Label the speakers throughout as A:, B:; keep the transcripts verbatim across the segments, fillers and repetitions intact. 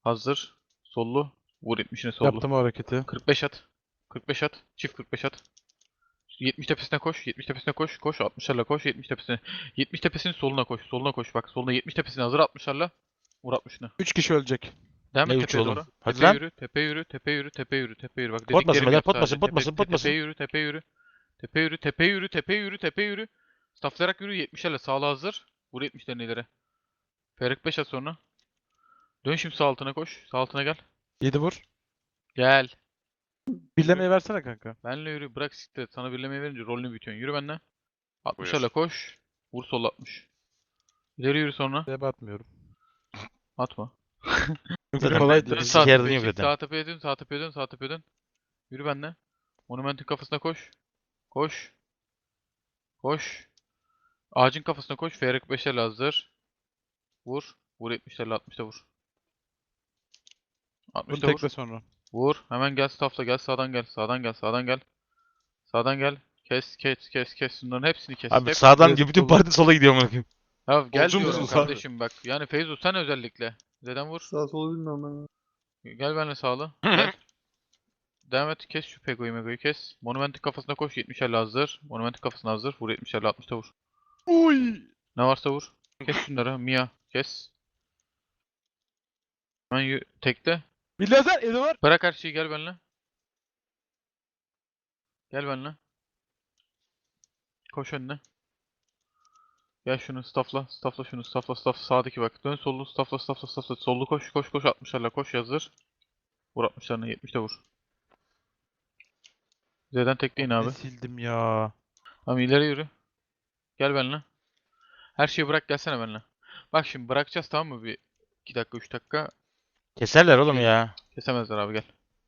A: Hazır. Sollu. Vur yetmişine sollu.
B: Yaptım o hareketi.
A: kırk beş at. kırk beş at. Çift kırk beş at. yetmiş tepesine koş. yetmiş tepesine koş. Koş. altmışlarla koş. yetmiş tepesine. yetmiş tepesinin soluna koş. Soluna koş. Bak soluna yetmiş tepesine hazır altmışlarla. Vur altmışını.
B: üç kişi ölecek.
A: Devam
C: Ne
A: et
C: üç
A: tepeye
C: oğlum?
A: doğru.
C: Hadi
A: Tepe
C: lan.
A: yürü. Tepe yürü. Tepe yürü. Tepe yürü. Tepe yürü. Bak
C: Pot basın
A: dediklerimi
C: beyler,
A: yap
C: pot
A: sadece.
C: basın, pot
A: Tepe,
C: basın, pot
A: tepe
C: basın.
A: yürü. Tepe yürü. Tepe yürü. Tepe yürü. Tepe yürü. Tepe yürü. Staflayarak yürü. yetmişlerle sağla hazır. Vur yetmişlerini ileri. Ferik beş at sonra. Dön şimdi sağ altına koş. Sağ altına gel.
B: yedi vur.
A: Gel.
B: Birlemeyi versene kanka.
A: Benle yürü. Bırak siktir. et. Sana birlemeyi verince rolünü büyütüyorsun. Yürü benle. altmışlarla koş. Vur sol altmış. İleri yürü sonra.
B: Şeye batmıyorum.
A: Atma.
B: Çünkü
A: Yürü.
B: kolay
A: Dön
B: değil.
A: sağ
C: Sikerdin
A: tepeye
C: yok
A: çık.
C: zaten.
A: Sağ tepeye dön. Sağ tepeye dön. Sağ tepeye dön. Yürü benle. Monumentin kafasına koş. Koş. Koş. Ağacın kafasına koş. Ferik beşerle hazır. Vur. Vur yetmişlerle altmışta vur.
B: Bunu
A: altmışta vur.
B: tekle sonra.
A: Vur. Hemen gel staffla gel. Sağdan gel. Sağdan gel. Sağdan gel. Sağdan gel. Kes kes kes kes. Bunların hepsini kes.
C: Abi
A: Hep-
C: sağdan
B: Evet,
C: bütün
B: olur.
C: parti sola gidiyor amına koyayım.
A: Ya gel
B: Solcu
A: diyorum
B: musunuz abi?
A: kardeşim bak. Yani Feyzo sen özellikle. Zeden vur.
D: Sağ solu bilmiyorum ben. ya.
A: Gel benimle sağlı. Gel. Devam et. Kes şu Pego'yu Mego'yu kes. Monumentin kafasına koş. yetmişerle hazır. Monumentin kafasına hazır. Vur yetmişerle altmışta vur.
B: Uy.
A: Ne varsa vur. Kes şunları. Mia. Kes. Hemen yü- tekle.
B: Bir lazer eli var.
A: Bırak her şeyi gel benimle. Gel benimle. Koş önüne. Gel şunu staffla. Staffla şunu. Staffla staff. Sağdaki bak. Dön sollu. Staffla staffla staffla. Sollu koş koş koş. altmışlarla koş hazır. Vur altmışlarına. yetmişte vur. Z'den tekleyin abi.
B: Ne sildim ya.
A: Tamam ileri yürü. Gel benimle. Her şeyi bırak gelsene benimle. Bak şimdi bırakacağız tamam mı bir iki dakika üç dakika.
C: Keserler oğlum ya.
A: Kesemezler abi gel.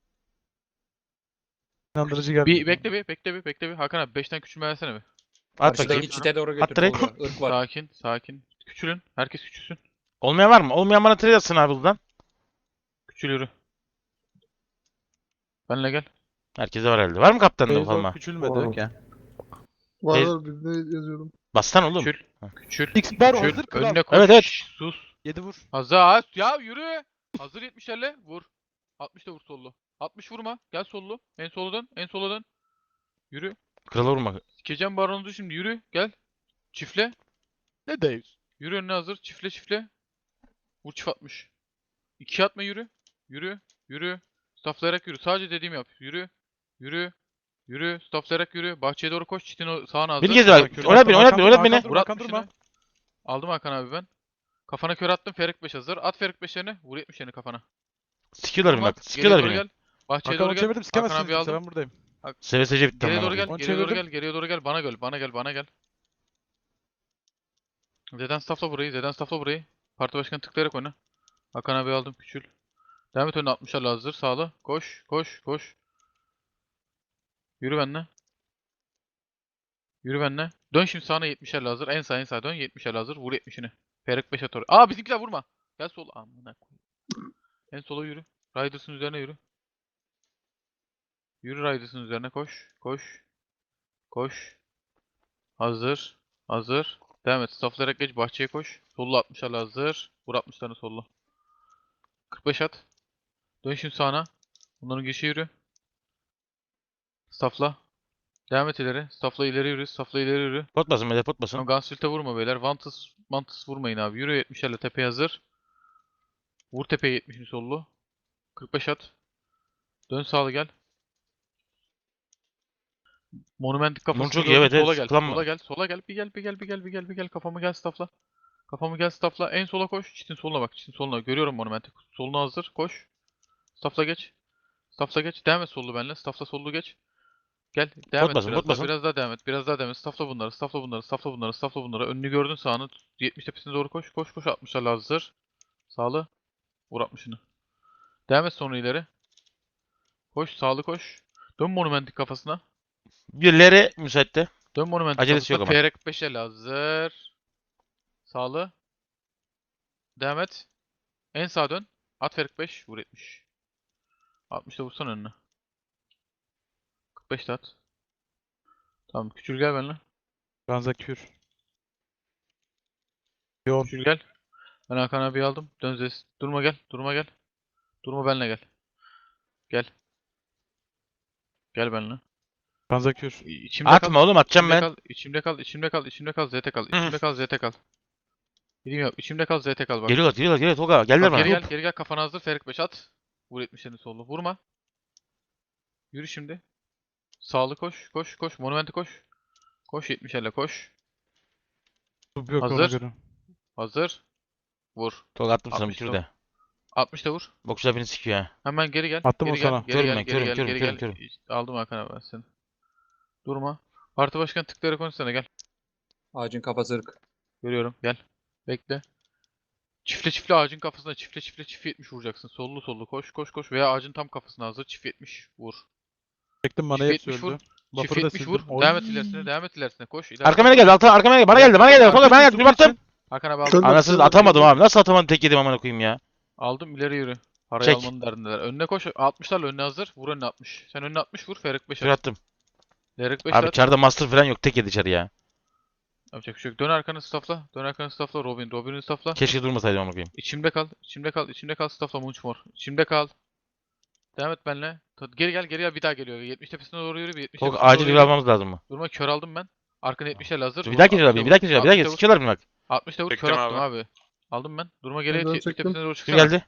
B: İnandırıcı geldi.
A: Bir bekle bir bekle bir bekle bir. Hakan abi beşten küçülme versene bir.
C: At
E: Karşıdaki
C: bakayım.
E: çite doğru
C: At
E: götür
C: direkt.
E: Tolga. Irk var.
A: Sakin sakin. Küçülün. Herkes küçülsün.
C: Olmayan var mı? Olmayan bana trade atsın abi buradan.
A: Küçül yürü. Benle gel.
C: Herkese var herhalde. Var mı kaptanında
B: Feyzo
C: falan?
B: küçülmedi.
D: Var.
B: Okey.
D: Var
C: Tez-
D: var birine yazıyorum.
C: Bastan oğlum.
A: Küçül.
C: Ha.
A: Küçül.
B: X bar
A: Küçül.
B: hazır kral.
A: Önüne koş.
C: Evet, evet.
A: Şşş, sus.
B: yedi vur.
A: Hazır. Ya yürü. Hazır yetmişlerle. Vur. altmışta vur sollu. altmış vurma. Gel sollu. En sola dön. En sola dön. Yürü.
C: Krala vurma.
A: Sikeceğim baronunuzu şimdi. Yürü. Gel. Çifle.
B: Ne deyiz?
A: Yürü önüne hazır. Çifle çifle. Vur çift atmış. İki atma yürü. Yürü. Yürü. Stafflayarak yürü. Sadece dediğimi yap. Yürü. Yürü. Yürü. Stafflayarak yürü. Bahçeye doğru koş. Çitin o- sağına hazır.
C: Beni gez abi.
B: Kür
C: Oynat beni,
B: attım,
C: oynat
B: Hakan
C: beni, oynat
B: durma,
C: beni.
B: Hakan
A: Vur
B: durma, Hakan
A: altmışını.
B: durma.
A: Aldım Hakan abi ben. Kafana kör attım. Ferik beş hazır. At Ferik beşlerini. Vur yetmişlerini kafana.
C: Sikiyorlar beni
A: Vurma.
C: bak.
A: Geriye
C: Sikiyorlar
A: doğru
C: beni.
A: gel. Bahçeye
B: Hakan
A: doğru
B: onu
A: gel.
B: çevirdim
A: Hakan
B: sikemezsiniz
A: abi
B: kimse
A: aldım.
B: ben buradayım.
C: S V S C bitti
A: Geriye
C: ama.
A: doğru gel.
B: Onu
A: Geriye doğru
B: çevirdim.
A: gel. Geriye doğru gel. Bana gel. Bana gel. Bana gel. Zeden staffla burayı. Zeden staffla burayı. Parti başkanı tıklayarak oyna. Hakan abi aldım. Küçül. Devam et önüne altmışlarla hazır. Sağlı. Koş. Koş. Koş. Yürü benimle. Yürü benimle. Dön şimdi sağına yetmişlerle hazır. En sağ en sağ dön. yetmişlerle hazır. Vur yetmişini. Ferik beş at oraya. Aa bizimkiler vurma. Gel sol. Amına koyayım. En sola yürü. Riders'ın üzerine yürü. Yürü Riders'ın üzerine koş. Koş. Koş. Hazır. Hazır. Devam et. Stafflayarak geç. Bahçeye koş. Sollu altmışlarla hazır. Vur altmışlarını sollu. kırk beş at. Dön şimdi sağına. Bunların girişe yürü. Staffla. Devam et ileri. Staffla ileri yürü. Staffla ileri yürü.
C: Pot basın beyler, pot basın.
A: Tamam Gunshield'e vurma beyler. Vantus, Vantus vurmayın abi. Yürü yetmişlerle tepeye hazır. Vur tepeye yetmişini sollu. kırk beş at. Dön sağlı gel. Monumentik kafasına
C: çok iyi,
A: gördün,
C: evet, evet.
A: sola gel.
C: Sıkılan mı?
A: Sola gel. Sola gel. Bir gel bir gel bir gel bir gel bir gel. Kafamı gel staffla. Kafamı gel staffla. En sola koş. Çitin soluna bak. Çitin soluna. Görüyorum monumentik. Soluna hazır. Koş. Staffla geç. Staffla geç. Devam et sollu benimle. Staffla sollu geç. Gel. Devam
C: Pot
A: et
C: basın,
A: biraz
C: pot
A: daha.
C: basın.
A: Biraz daha devam et. Biraz daha devam et. Staffla bunları. Staffla bunları. Staffla bunları. Staffla bunları. Önünü gördün sağını. yetmiş tepesine doğru koş. Koş koş. altmışlarla hazır. Sağlı. Vur altmışını. Devam et sonra ileri. Koş. Sağlı koş. Dön monumentik kafasına.
C: Birileri müsaitte.
A: Dön monumentik
C: Acelesi
A: kafasına.
C: yok ama.
A: F R beş el hazır. Sağlı. Devam et. En sağa dön. At F R beş. Vur yetmiş. altmışta vursan önüne. kırk beş de at. Tamam. Küçül gel benimle.
B: Ganza kür. Yoğun.
A: Küçül gel. Ben Hakan abi aldım. Dön Zes. Durma gel. Durma gel. Durma benle gel. Gel. Gel benle.
B: Franza kür.
A: İçimde
C: Atma
A: kal.
C: oğlum, atacağım
A: içimde
C: ben.
A: Kal, içimde kal, içimde kal, içimde kal, Z T kal, içimde kal, Z T kal. Gideyim yok, içimde kal, Z T kal bak.
C: Geliyorlar, geliyorlar, geliyorlar Tolga. Geldiler
A: Bak
C: bana.
A: geri gel, geri gel, kafana hazır, Ferik beş at. Vur yetmişlerini sollu. Vurma. Yürü şimdi. Sağlı koş, koş, koş. Monumenti koş. Koş yetmiş elle koş.
B: Tub yok ona
A: Hazır.
B: göre.
A: Hazır. Vur.
C: Tolga attım sana bir
A: altmış
C: kür
A: top.
C: de.
A: altmış da vur.
C: Bokçular beni sikiyor ha.
A: Hemen geri gel.
B: Attım
A: geri
B: o
A: gel,
B: sana.
A: Geri
C: Körüm
A: gel,
C: ben,
A: geri
C: körüm,
A: gel,
C: körüm,
A: geri
C: körüm,
A: gel.
C: körüm.
A: Aldım Hakan abi ben seni. Durma. Parti başkan tıklara konuşsana gel.
E: Ağacın kafası ırk.
A: Görüyorum. Gel. Bekle. Çiftle çiftle ağacın kafasına çiftle çiftle çift yetmiş vuracaksın. Sollu sollu koş koş koş veya ağacın tam kafasına hazır çift yetmiş vur.
B: Çektim bana
A: Çift
B: hepsi
A: yetmiş vur.
B: öldü.
A: Çift
B: Buffer'ı da
A: yetmiş vur.
B: sildim. Oy.
A: Devam et ilerisine. Devam et ilerisine. Koş. ileride.
C: Arkama ne geldi? Alta, arkama ne geldi? Bana geldi, bana geldi. Tolga bana geldi. Bir baktım.
A: Hakan abi aldım.
D: Kör-
C: Anasını
D: Kör-
C: atamadım abi. Nasıl atamadım, tek yedim amına koyayım ya.
A: Aldım ileri yürü. Parayı
C: Çek.
A: almanın derdindeler. Önüne koş. altmışlarla önüne hazır. Vur önüne altmış. Sen önüne altmış vur. Ferik beş
C: Kür
A: at.
C: attım.
A: Ferik beş
C: Abi
A: at.
C: çarda master falan yok, tek yedi içeri ya.
A: Yapacak bir şey yok. Dön arkanı staffla. Dön arkanı staffla. Robin. Robin'i staffla.
C: Keşke durmasaydım amına koyayım.
A: İçimde kal. İçimde kal. İçimde kal. Staffla Munchmore. İçimde kal. Devam et benle. Ta- Geri gel. Geri gel. Bir daha geliyor. yetmiş tepesine doğru yürü. Bir yetmiş
C: Tolga
A: tepesine
C: acil
A: doğru
C: bir
A: yürü.
C: almamız lazım mı?
A: Durma kör aldım ben. Arkanı yetmiş el hazır.
C: Bir
A: Vur.
C: daha geliyorlar
A: altmışta
C: beni, bir daha
A: vur.
C: geliyorlar, bir daha geliyorlar.
A: altmışta vur.
C: Sikiyorlar beni bak.
A: altmışta vur. Kör
F: Çektim
A: attım
F: abi.
A: abi. Aldım ben. Durma geriye.
D: Ben
A: yetmiş
D: çektim.
A: tepesine doğru
C: Kür
A: çıksana.
C: geldi.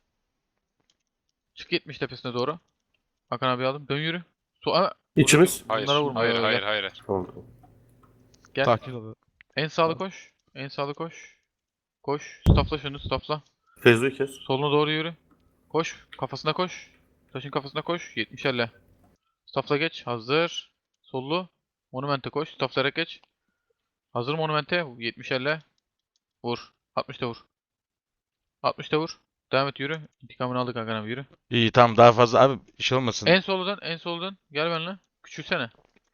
A: Çık yetmiş tepesine doğru. Hakan abi aldım. Dön yürü. So Ama
F: İçimiz?
A: Bunlara
F: Hayır.
A: vurma,
F: Hayır,
A: öyle
F: hayır,
A: gel.
F: hayır, hayır.
G: Oldu.
A: Gel.
B: Sakin ol.
A: En sağlı koş. En sağlı koş. Koş. Staffla şunu staffla.
G: Fezlo'yu kes.
A: Soluna doğru yürü. Koş. Kafasına koş. Taşın kafasına koş. yetmiş elle. Staffla geç. Hazır. Sollu. Monumente koş. Stafflayarak geç. Hazır monumente. yetmiş elle. Vur. altmış da vur. altmış da vur. Devam et yürü. İntikamını aldık Hakan abi yürü.
C: İyi tamam, daha fazla abi bir şey olmasın.
A: En soldan en soldan. Gel benimle. Küçülsene.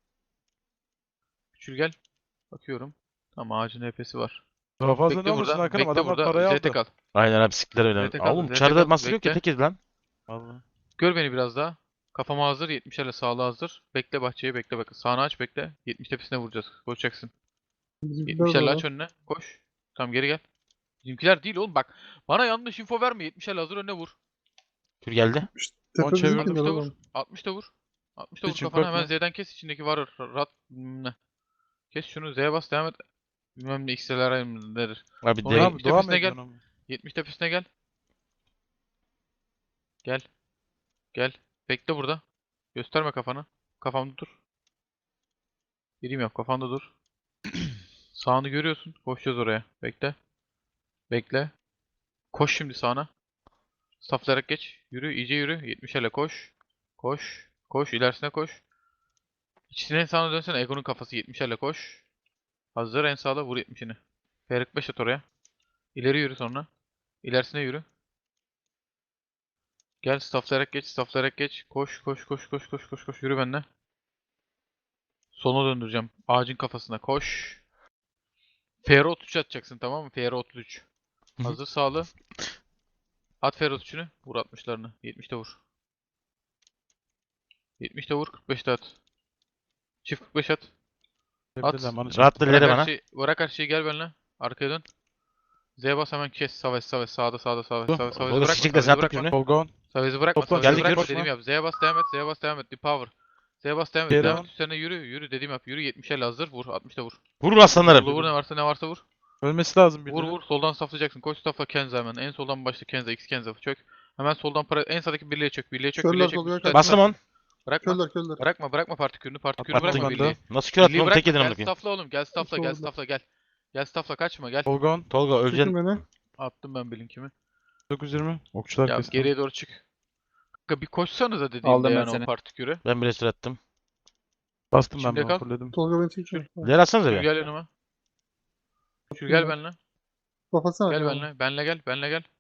A: Küçül gel. Bakıyorum. Tamam ağacın H P'si var.
B: Daha fazla ne
A: Bekle
B: olursun
A: burada.
B: Hakan'ım,
A: Bekle
B: adamlar
A: burada.
B: parayı
A: Z T
B: aldı.
A: kal.
C: Aynen abi, siktiler öyle.
A: Z T kal,
C: Oğlum
A: Z T
C: çarda
A: kal,
C: master yok ya,
A: bekle.
C: tek yedi lan.
B: Vallahi.
A: Gör beni biraz daha. Kafama hazır. yetmişlerle sağlığa hazır. Bekle bahçeyi bekle bak. Sağını aç bekle. yetmiş tepesine vuracağız. Koşacaksın.
D: Bizimkiler
A: yetmişlerle
D: de
A: aç önüne. Koş. Tamam geri gel. Bizimkiler değil oğlum bak. Bana yanlış info verme. yetmişlerle hazır önüne vur.
C: Kür geldi.
D: Tepe
B: On çevirdim.
D: bizimkiler
A: altmış da vur.
D: oğlum.
A: altmış da vur. altmış da vur
B: Hiç
A: kafana
B: bakma.
A: hemen Z'den kes. İçindeki var. Rat. Ne? Kes şunu. Z'ye bas devam et. Bilmem ne X'ler nedir.
C: Abi
A: Sonra
C: de
A: abi-
B: Abi devam
A: tepesine gel.
B: ediyorsun ama.
A: yetmiş tepesine gel. Gel. Gel. Bekle burada. Gösterme kafanı. Kafamda dur. Gireyim yap. Kafanda dur. Sağını görüyorsun. Koşacağız oraya. Bekle. Bekle. Koş şimdi sağına. Saflayarak geç. Yürü. iyice yürü. yetmiş ele koş. Koş. Koş. İlerisine koş. İçine en sağına dönsene. Ego'nun kafası yetmiş ele koş. Hazır. En sağda vur yetmişini. Ferik beş at oraya. İleri yürü sonra. İlerisine yürü. Gel stafflayarak geç, stafflayarak geç. Koş, koş, koş, koş, koş, koş, koş. Yürü benimle. Soluna döndüreceğim. Ağacın kafasına koş. F R otuz üç atacaksın tamam mı? F R otuz üç.
C: Hı hı.
A: Hazır sağlı. At F R otuz üçünü. Vur altmışlarını. yetmişte vur. yetmişte vur. kırk beşte at. Çift kırk beş at. At.
B: Tepeden bana çek.
C: rahatla ileri
A: Bırak her
C: bana.
A: şeyi, bırak her şeyi gel benimle. Arkaya dön. Z bas hemen kes. Savaş, savaş. Sağda, sağda, savaş,
B: Dur.
A: savaş. Savaşı
C: Tolga
A: bırakma,
C: sikecekler, sen
A: savaşı
C: attık
A: bırakma.
C: yönü.
B: Tolga.
A: Savaşı bırakma,
B: Topla,
A: savaşı
C: geldik,
A: bırakma
C: yürü.
A: dediğim yap. Z'ye bas devam et, Z'ye bas devam et. The power. Z'ye bas devam et,
B: Geri
A: devam
B: al.
A: et. Üstlerine yürü, yürü dediğim yap. Yürü yetmiş elle hazır. Vur, altmışta vur.
C: Vurun aslanlarım.
A: Solda vur ne varsa ne varsa vur.
B: Ölmesi lazım bir
A: Vur vur, soldan saflayacaksın. Koş safla Kenza hemen. En soldan başla Kenza, X Kenza çök. Hemen soldan para en sağdaki birliğe çök, birliğe çök,
D: Körler
A: birliğe çök.
D: doluyor,
A: Üstlerine-
C: Bastım on.
A: Bırakma,
D: Körler körler.
A: bırakma, bırakma partikülünü, partikülünü
B: Attım
A: bırakma
B: ben de.
A: birliği.
C: Nasıl kür attın
A: Birliği
C: oğlum, tek
A: bırakma,
C: yedin amına
A: gel
C: koyayım.
A: safla oğlum, gel safla, gel
D: Solda.
A: safla, gel. Gel safla, kaçma, gel.
B: Tolga.
C: Tolga
D: Çekin
C: öleceksin.
D: beni.
A: Attım ben bilinkimi.
B: dokuz yüz yirmi. Okçular
A: Ya
B: kesti.
A: geriye doğru çık. Kanka bir koşsanıza dediğimde
E: Aldım ben
A: yani o
E: seni.
A: partikülü.
C: Ben bir restore attım.
B: Bastım ben
A: İçimde
B: bunu
A: kal.
B: fulledim.
D: Tolga beni çekiyor.
C: İleri atsanıza
A: Şur
C: bir.
A: gel yanıma. Şur gel benimle.
D: Kapatsana.
A: Gel
D: ya.
A: benimle. Benle gel. Benle gel.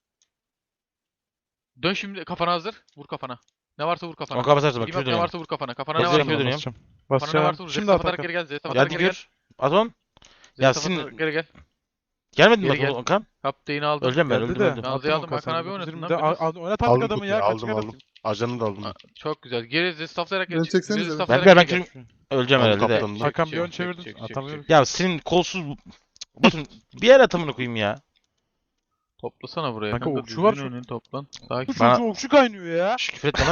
A: Dön şimdi kafana hazır. Vur kafana. Ne varsa vur kafana.
C: On kapatarsa bak,
A: Bilmem
C: kür
A: ne
C: dönüyorum.
A: varsa vur kafana. Kafana ne
C: Basacağım
A: varsa
C: kür
A: vur.
C: dönüyorum.
B: Basacağım.
A: Kafana ne
B: Basacağım.
A: varsa vur.
B: Şimdi
A: Zeta
B: at
A: atarak
B: Hakan.
A: geri gel. Zeta
C: Geldi
A: atarak geri gel.
C: kür. At on.
A: Zeta
C: Ya
A: atarak
C: sin-
A: geri gel.
C: Gelmedin mi
A: Geri gel.
C: bak Okan?
A: Kaptayını aldım.
C: Öleceğim ben,
B: Geldi
C: öldüm
B: de.
C: öldüm.
A: Nazlı'yı
B: Attım
A: aldım,
B: o kasayı.
A: Hakan abi
B: dokuz yüz
A: oynatın
B: yirmi
A: lan
B: de-
A: biraz.
B: al- al- Oynat artık
G: Aldım
B: adamı
G: kutuyu,
B: ya. Kaç
G: aldım
B: kere
G: aldım.
B: atayım?
G: Ajanı da aldım.
A: Aa, Çok güzel. Geri zestaflayarak
D: Beni
A: gel.
D: çeksenize.
A: Geri
D: Ben-
A: zestaflayarak
C: Ben- ben
A: geri gel.
C: kürüm- Öleceğim
G: Aldım
C: herhalde de.
G: kaptanım.
B: Hakan
A: Çek,
B: bir ön
A: çek,
B: çevirdin.
A: çek, çek,
B: Atamıyorum.
C: Ya senin kolsuz... Bakın bir yer atımını koyayım ya.
A: Toplasana buraya.
B: Kanka
A: Kanka,
B: okçu var
A: düzgün
B: şu-
A: oynayın, toplan. Sakin.
B: Bu
C: Bana-
B: çocuğu okçu kaynıyor ya.
C: Şş, küfür etme lan.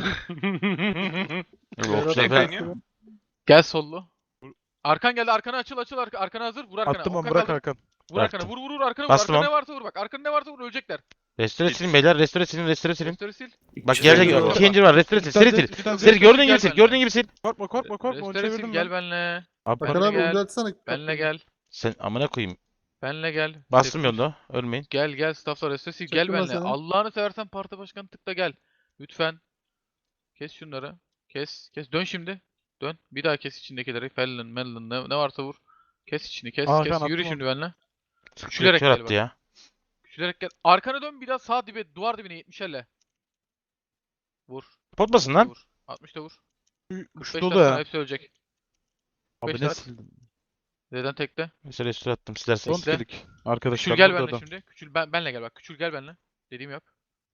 C: Yok,
D: Berat
C: okçular
D: abi
C: falan.
D: kaynıyor.
A: Gel sollu. Arkan geldi, arkana açıl açıl arka, arkana hazır. Vur arkana.
B: Attım onu
A: Oka
B: bırak
A: kaldır.
B: Hakan.
A: Vur arkana,
C: Bıraktım.
A: vur vur vur arkana vur.
C: Bastım
A: Arkana
C: on.
A: ne varsa vur bak. Arkana ne varsa vur, ölecekler.
C: Restore silin beyler. Restore silin. Restore silin. Restore silin.
A: Restore sil.
C: Bak
D: şey
C: gelecek.
D: yok.
C: İki incir var. Restore sil.
B: Üstten
C: Seri
B: zet,
C: sil.
B: üstten
C: Seri
B: zet.
C: gördüğün
A: Gel
C: gibi sil.
A: benimle.
C: Gördüğün gibi sil.
B: Korkma korkma korkma onu
A: Restore sil,
B: çevirdim
A: gel
B: ben.
A: benle.
B: Abi
D: Hakan
A: Benle
D: abi
A: gel.
D: ulti atsana.
A: Benle gel.
C: Sen amına koyayım.
A: Benle gel.
C: Bastım
A: Tepki-
C: yolda. Ölmeyin.
A: Gel gel stafflar restore sil, gel
D: Çektim ben
A: benle.
D: seni.
A: Allah'ını seversen parti başkanı tıkla gel. Lütfen. Kes şunları. Kes. Kes. Dön şimdi. Dön. Bir daha kes içindekileri. Fallon, Melon ne, ne varsa vur. Kes içini, kes
B: Aa,
A: kes.
B: Hakan,
A: Yürü
B: attım
A: şimdi benle.
C: Küçülerek
A: Küçülerek
C: kör
A: gel
C: attı
A: bak.
C: ya.
A: Küçülerek gel. Arkana dön, bir daha sağ dibe, duvar dibine yetmişlerle. Vur.
C: Potmasın lan.
A: Vur. altmış da vur.
B: Üç
A: kırk beş
B: dolu
A: tane
B: ya.
A: hepsi ölecek.
B: Abi
A: beş
B: ne
A: saat.
B: sildim.
A: Z'den tekle.
C: Mesela restore attım. Silersin.
B: Front
A: Bekle.
B: klik. Arkadaşlar
A: Küçül gel
B: burada
A: benle
B: adam.
A: şimdi. Küçül ben, benle gel bak. Küçül gel benle. Dediğimi yap.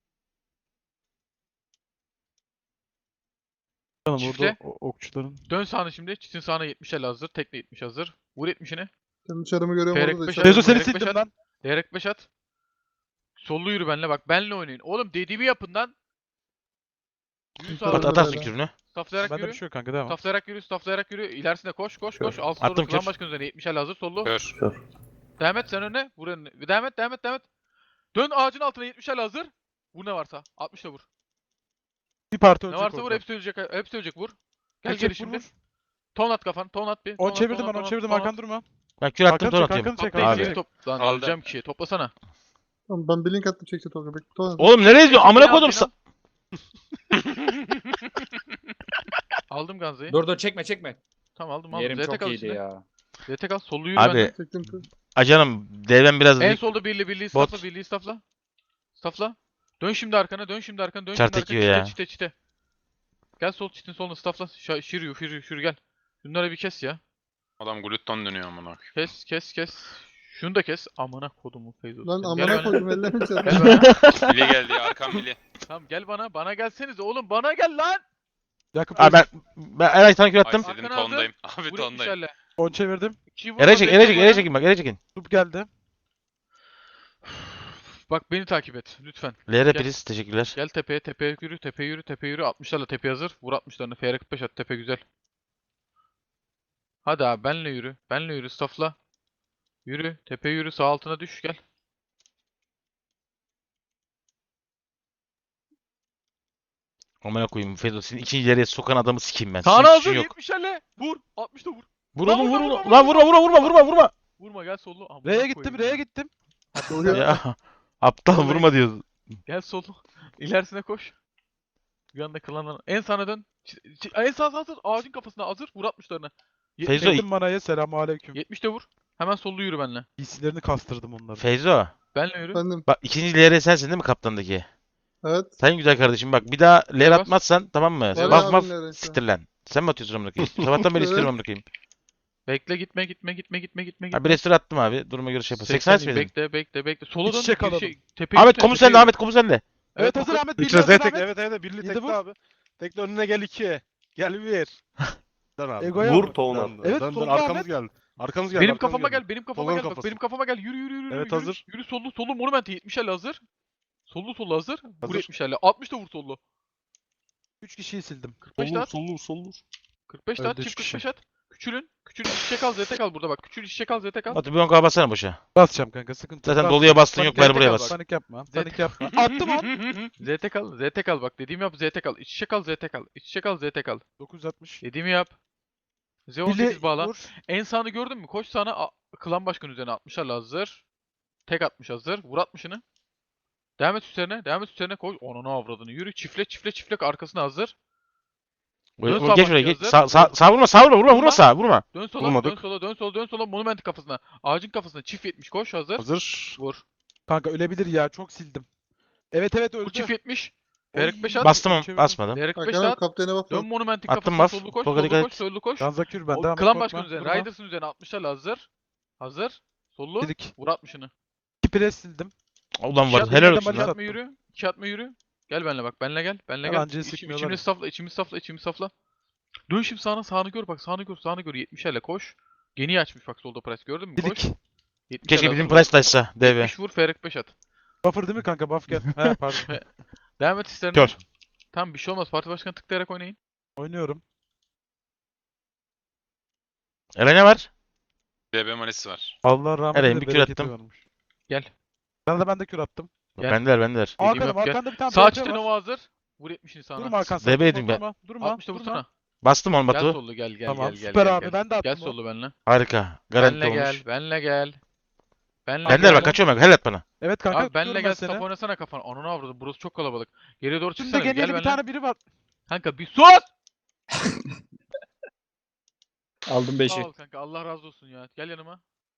B: Canım
A: Çiftle.
B: orada o- okçuların.
A: Dön sağına şimdi. Çitin sağına yetmişlerle hazır. Tekle yetmiş hazır. Vur yetmişini.
D: Kendi çarımı görüyorum
A: Feyrek
D: orada da.
A: beş
D: içeride.
B: Rezo seni
A: Direkt beş
B: sildim
A: at.
B: lan.
A: Değerek beş at. Sollu yürü benle bak. Benle oynayın. Oğlum dediğimi yapın lan. Yürü sağa
D: At-
C: At,
A: doğru.
C: atarsın
D: Böyle.
C: kürünü.
A: Stafflayarak
B: Bende bir
A: yürü.
B: şey yok kanka devam.
A: Stafflayarak yürü. Stafflayarak yürü. İlerisine koş koş koş. Al
C: Attım
A: soru. Klan
C: kür.
A: başkanı üzerine yetmişlerle hazır. Sollu.
F: Kör.
A: Devam et sen önüne. Vur önüne. Devam et devam et devam et. Dön ağacın altına yetmişlerle hazır. Vur ne varsa. altmışla vur.
B: Bir parti
A: Ne
B: ölecek
A: varsa vur.
B: orada.
A: Hepsi ölecek. Hepsi ölecek. Vur. Gel
B: Çek,
A: geri
B: çek, vur,
A: şimdi.
B: vur.
A: Ton at kafan. Ton at bir. Ton
B: On
A: at,
B: çevirdim
A: ton at,
B: ben
A: ton
B: on
A: at,
B: çevirdim
A: ton at.
B: Hakan durma.
C: Ben kür attım.
B: Hakan
C: Ton
B: çek,
C: atıyorum.
B: Hakan çek,
A: Topla
B: Hakan
A: ikisini
B: çek.
A: top. Lan
F: Aldı.
A: öleceğim kişiyi. Toplasana.
D: Tamam ben bir link attım çekti Tolga. Bekle. Tamam.
C: Oğlum nereye gidiyorsun? Amına koydum.
A: Beni al,
C: sa-
A: Aldım Ganza'yı.
E: Dur dur çekme çekme.
A: Tamam aldım aldım.
E: Yerim
A: Z T
E: çok
A: kal
E: iyiydi
A: içinde.
E: ya.
A: Z T kal. Sollu yürü
C: Abi
A: bende.
D: Çektim kız.
C: acanım devem biraz
A: En
C: dik.
A: solda birli birliği
C: Bot.
A: stafla birliği stafla. Stafla. Dön şimdi arkana. Dön şimdi arkana. Dön
C: Çarptı
A: şimdi arkana.
C: yiyor ya.
A: Çite çite çite. Gel sol çitin soluna stafla. Şa- Şiriyor şiriyor şiriyor gel. Bunları bir kes ya.
F: Adam glutton dönüyor amına koyayım.
A: Kes kes kes. Şunu da kes. Amına kodumu Feyzo.
D: Lan
A: Gel
D: amına
A: bana.
D: koydum ellerimi çarptım.
A: Gel bana.
F: Bili geldi ya arkam bili.
A: Tamam gel bana. Bana gelsenize oğlum. Bana gel lan.
B: Yakup
C: Abi ben ben Eray sana kür attım.
F: Ay senin
A: Arkana hazır.
F: tondayım. Abi
A: Vur
F: tondayım.
A: yetmişlerle.
B: on çevirdim.
A: İkiyi vur,
C: Eray
A: Z
C: çek,
A: T
C: Eray çek,
A: bana.
C: Eray çekin bak, Eray çekin.
B: Tup geldi.
A: Bak beni takip et lütfen.
C: L R
A: Gel.
C: priz teşekkürler.
A: Gel tepeye tepeye yürü tepeye yürü tepeye yürü. altmışlarla tepe hazır. Vur altmışlarını. F R kırk beş at tepe güzel. Hadi abi benle yürü. Benle yürü staffla. Yürü. Tepe yürü. Sağ altına düş gel.
C: Amına koyayım Feyzo senin ikinci ileriye sokan adamı sikeyim ben.
A: Sağına
C: Senin
A: hazır
C: suçun yok.
A: yetmişlerle. Vur. altmışta vur.
C: Vur
A: Lan
C: oğlum vur
A: vurma,
C: oğlum.
A: vurma,
C: Lan vurma vurma vurma vurma vurma.
A: Vurma gel sollu. Amına
B: R'ye
A: koyayım
B: gittim,
A: ya.
B: R'ye gittim.
D: Tolga.
C: Ya aptal
A: Vallahi-
C: vurma diyoruz.
A: Gel sollu. İlerisine koş. Bir anda klandan. En sana dön. Ç- ç- En sağ hazır. Ağacın kafasına hazır. Vur altmışlarına. Yetmiş-
C: Feyzo-
B: Çektim manaya selamun aleyküm.
A: yetmişte vur. Hemen sollu yürü benle.
B: Giysilerini kastırdım onları.
C: Feyzo.
A: Benle yürü.
D: Efendim.
C: Bak ikinci L R sensin değil mi kaptandaki?
D: Evet.
C: Sayın güzel kardeşim bak bir daha L R
A: Bas.
C: atmazsan tamam mı?
A: Var
C: Baf
D: ya
C: maf
D: abim L R'si.
C: siktir lan. Sen mi atıyorsun amına koyayım? Sabahtan beri istiyorum
D: Evet.
C: amına koyayım.
A: Bekle gitme gitme gitme gitme gitme.
C: Abi restore attım abi. Duruma göre şey yapalım. seksen
A: seksen
C: miydin?
A: bekle bekle bekle. Sola
B: İç
A: dön.
B: içe
A: bir
B: kalalım.
A: şey- tepeye
C: Ahmet
A: yürü,
C: komu
A: tepeye
C: sende
A: yürü.
C: Ahmet komu sende.
B: Evet
A: o-
B: hazır Ahmet.
G: Üç
B: Birli hazır
G: tek
B: Ahmet.
G: evet evet birli
B: Yedi
G: tekli
B: vur.
G: abi. Tekli önüne gel iki. Gel bir. Dön abi.
B: Egoya
G: Vur
B: vur.
G: toğun
B: Dön,
G: at.
B: evet,
G: dön dön
B: solda
G: arkamız
B: Ahmet.
G: geldi. Arkamız geldi.
A: Benim
G: arkamız
A: kafama
G: geldi.
A: gel, benim kafama
G: Tolga'nın
A: gel bak,
G: kafası.
A: benim kafama gel. Yürü yürü yürü.
G: Evet,
A: yürü.
G: hazır.
A: Yürü sollu sollu monument yetmişlerle hazır. Sollu sollu hazır. Vur
G: Hazır.
A: yetmişlerle. altmış da vur sollu.
B: üç kişiyi sildim.
A: kırk beş de
G: Solur
A: at.
G: solur solur.
A: kırk beş de at.
B: Öldü
A: Çift
B: üç
A: kırk beş at. Küçülün. Küçülün içe kal, Z T kal burada bak. Küçül içe kal, Z T kal.
C: Batu bir on K bassana boşa.
B: Basacağım kanka sıkıntı yok.
C: Zaten
B: Bas.
C: doluya bastın yok
A: Panik
C: bari buraya
A: kal
C: bas.
A: bak.
B: Panik yapma.
A: Z-
B: Panik yapma. Attım on.
A: Z T kal, Z T kal bak. Dediğimi yap, Z T kal. İç içe kal, Z T kal. İç içe kal, Z T kal.
B: dokuz yüz altmış.
A: Dediğimi yap. Z on sekiz
B: Birli
A: bağla.
B: vur.
A: En sağını gördün mü? Koş sağına. a- Klan başkanı üzerine altmışlarla hazır. Tek atmış hazır. Vur altmışını. Devam et üstlerine. Devam et üstlerine koy. Onun avradını. Yürü. Çifle çifle çifle arkasına hazır.
C: Vur-
A: Dön
C: vur-
A: sağ
C: Geç
A: bak
C: oraya geç.
A: hazır.
C: Sağ, sağ, sağ vurma sağ vurma vurma
A: Vurma.
C: vurma sağ vurma.
A: Dön sola, dön
G: Vurmadık.
A: sola, dön sola, dön sola. Monumentin kafasına. Ağacın kafasına çift yetmiş koş hazır.
G: Hazır.
A: Vur.
B: Kanka ölebilir ya çok sildim. Evet evet öldü.
A: Bu çift yetmiş.
B: Oy.
A: Ferik beş at.
C: Bastım mı?
B: Çevirdim.
C: Basmadım.
A: Ferik beş
D: Hakan abi
A: at.
D: kaptana bak.
A: Dön monumentin
C: Attım
A: kafasına
C: baf.
A: sollu koş,
C: Tolga
A: sollu
C: dikkat
A: koş,
C: et.
A: sollu koş.
B: Ganzakür ben
A: O
B: devam et,
A: klan
B: korkma,
A: başkanı üzerine,
B: durma.
A: Riders'ın üzerine altmışlarla hazır. Hazır. Sollu.
B: Dedik.
A: Vur altmışını.
B: İki pres sildim.
C: Ulan
A: İki
C: var
A: at-
C: helal
B: yine de
C: olsun
A: İki
B: maç
C: lan.
B: at-
A: atma yürü. İki atma yürü. Gel benimle bak. Benle gel. Benle gel.
B: Yalancıyı
A: İçim,
B: sikmiyorlar
A: içimiz
B: ya.
A: safla. içimiz safla. içimiz safla. Dön şimdi sağına. Sağını gör bak. Sağını gör. Sağını gör. yetmişlerle koş. Geniyi açmış bak solda press. Gördün mü? Koş.
B: Dedik.
A: yetmişlerle
C: Keşke
A: hazır
C: bizim
A: vur.
C: price taşsa D V.
A: yetmiş vur. Ferik beş at.
B: Buffer değil mi kanka? Buff gel. He pardon.
A: Devam et istersen.
C: Kör.
A: Tamam bir şey olmaz. Parti başkanı tıklayarak oynayın.
B: Oynuyorum.
C: Eren ne var?
F: D B malisi var.
B: Allah rahmet
C: Eren,
B: eylesin,
C: bir kür
B: bereketi
C: attım.
B: varmış.
A: Gel.
B: Sana da ben de kür attım.
A: Gel.
C: Bendeler bendeler.
A: Dediğim
B: Hakan'ım
A: yap, gel.
B: arkanda bir tane
A: Sağ
B: B P
A: çitin
B: var.
A: Nova hazır. Vur yetmişini sağına.
B: Durma Hakan
C: D
B: sen.
C: B
B: Durma,
C: yedim ben.
B: durma. Durma.
A: altmışta
B: Durma.
A: vursana.
C: Bastım on
A: Gel
C: Batu.
A: sollu gel gel
B: Tamam,
A: gel gel.
B: süper
A: gel,
B: abi,
A: gel.
B: ben de attım
A: Gel
B: o.
A: sollu benle.
C: Harika. Garanti
A: Benle gel.
C: olmuş.
A: Benle gel. Benle
C: Bendeler
A: gel.
C: bak kaçıyorum ben. Helal et bana.
B: Evet kanka
A: Abi
B: tutuyorum
A: benle
B: ben
A: gel
B: seni.
A: stop oynasana kafana. Ananı avradım. Burası çok kalabalık. Geriye doğru
B: Şimdi
A: çıksana. Gel
B: genelde bir
A: benle.
B: tane biri var.
A: Kanka bir sus!
E: Aldım beşi.
A: Sağ ol kanka. Allah razı olsun ya. Gel yanıma.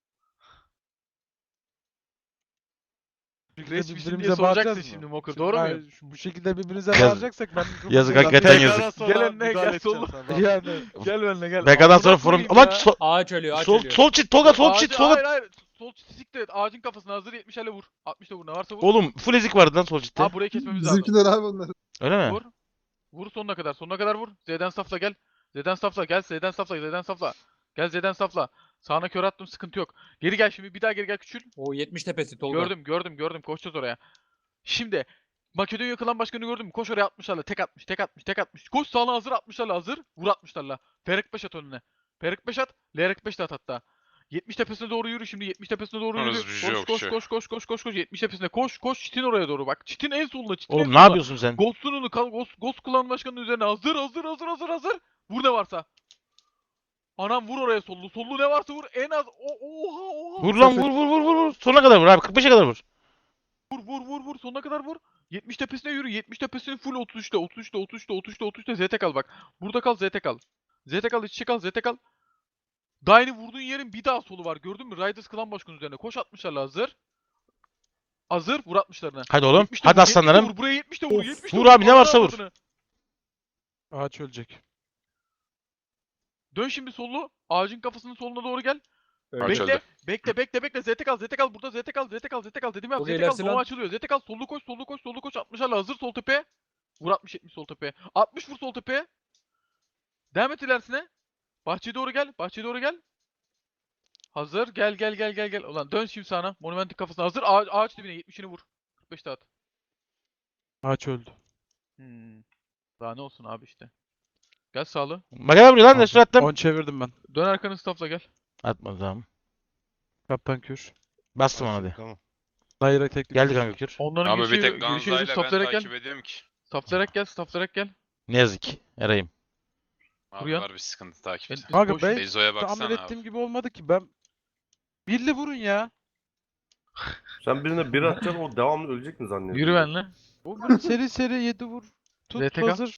B: Şekilde
A: Reis misin diye
B: birbirimize
A: soracaksın
B: bağıracağız
A: şimdi
B: mı?
A: Mokur.
B: Şimdi
A: Doğru
B: ben-
A: muyum?
B: şu- Bu şekilde birbirimize
C: Yaz-
B: bağıracaksak ben
C: Yazık,
B: mikrofondan-
C: hakikaten
B: Tekrar
C: yazık.
B: sonra
A: Gel önüne,
B: müdahale
A: gel
B: edeceğim
A: sollu.
B: sana.
A: Yani gel benimle gel.
C: B K'dan
A: Amına
C: sonra forum.
A: koyayım
C: Ulan
A: ya.
C: sol,
E: Ağaç ölüyor, ağaç
C: sol,
E: ölüyor.
C: sol çit. Tolga sol
A: Ağacı-
C: çit. Tolga.
A: Hayır hayır. Sol çiti siktir et. Ağacın kafasına hazır yetmiş ele vur. altmış da vur. Ne varsa vur.
C: Oğlum full ezik vardı lan sol çitte.
A: Ha burayı kesmemiz lazım.
D: Bizimkiler abi onlar.
C: Öyle mi?
A: Vur. Vur sonuna kadar. Sonuna kadar vur. Z'den safla gel. Z'den safla gel. Z'den safla. Z'den safla. Gel Z'den safla. Sağına kör attım sıkıntı yok. Geri gel şimdi bir daha geri gel küçül.
E: O yetmiş tepesi Tolga.
A: Gördüm gördüm gördüm. Koşacağız oraya. Şimdi Makedonya klan başkanı gördün mü? Koş oraya altmışlarla. Tek atmış, tek atmış, tek atmış. Koş sağına hazır altmışlarla hazır. Vur altmışlarla. Ferik beş at önüne. Ferik beş at. Lerik beş de at hatta. yetmiş tepesine doğru yürü şimdi. yetmiş tepesine doğru yürü.
F: Orası bir şey
A: Koş
F: yok,
A: koş
F: şey.
A: koş koş koş koş koş. yetmiş tepesine koş koş. Çitin oraya doğru bak. Çitin en solunda. Çitin en
C: Oğlum ne
A: solunda.
C: yapıyorsun sen?
A: Ghost'unu kal Ghost, Ghost klan başkanının üzerine hazır hazır hazır hazır hazır. Vur ne varsa. Anam vur oraya sollu. Sollu ne varsa vur. En az o oha oha.
C: Vur lan vur vur vur vur vur. Sonuna kadar vur abi. kırk beşe kadar vur.
A: Vur vur vur vur sonuna kadar vur. yetmiş tepesine yürü. yetmiş tepesinin full otuz üçte otuz üçte otuz üçte otuz üçte otuz üçte Z T kal bak. Burada kal Z T kal. Z T kal iç içe kal Z T kal. Daini vurduğun yerin bir daha solu var. Gördün mü? Riders klan başkanı üzerine. Koş altmışlarla hazır. Hazır vur altmışlarına.
C: Hadi oğlum.
A: yetmiş de
C: Hadi
A: vur, yetmiş de
C: aslanlarım.
A: Vur buraya yetmiş de vur.
C: Of,
A: yetmiş de
C: vur abi, ne
A: Ananı
C: varsa vur.
A: avradını.
B: Ağaç ölecek.
A: Dön şimdi sollu. Ağacın kafasının soluna doğru gel.
E: Öyle.
F: Ağaç
A: Bekle,
F: öldü.
A: bekle, bekle, bekle. Z T kal, Z T kal. Burada Z T kal, Z T kal, Z T kal. Dedim ya, Z
E: Çok
A: T kal.
E: ilerisi
A: Nova
E: lan.
A: açılıyor. Z T kal, sollu koş, sollu koş, sollu koş. altmışlarla hazır sol tepeye. Vur altmış yetmiş sol tepeye. altmış vur sol tepeye. Devam et ilerisine. Bahçeye doğru gel, bahçeye doğru gel. Hazır. Gel, gel, gel, gel, gel. Ulan dön şimdi sağına. Monumentin kafasına hazır. Ağaç, ağaç dibine yetmişini vur. kırk beş at.
B: Ağaç öldü.
A: Hmm. Daha ne olsun abi işte. Gel sağlı.
C: Magana vuruyor lan. Destur attım.
B: on çevirdim ben.
A: Dön arkanı staffla gel.
C: Atma tamam.
B: Kaptan kür.
C: Bastım ona hadi.
H: Tamam.
B: Daire teknik.
C: Geldi kanka kür.
A: Onların
F: Abi bir
A: girişi,
F: tek
A: girişi
F: Ganza'yla ben
A: stafflayarak gel.
F: takip ediyorum ki.
A: Stafflayarak gel, stafflayarak gel.
C: Ne yazık ki. Eray'ım.
F: Abi
A: Buraya.
F: var bir sıkıntı takipte.
B: Kanka
A: Koş.
B: ben
F: Ezo'ya
B: tahmin
F: baksana
B: ettiğim
F: abi.
B: gibi olmadı ki. Ben birli vurun ya.
H: Sen birine bir atacaksın o devamlı ölecek mi zannediyorsun?
A: Yürü benle.
B: O böyle seri seri yedi vur. Tut
A: Z T K.
B: hazır.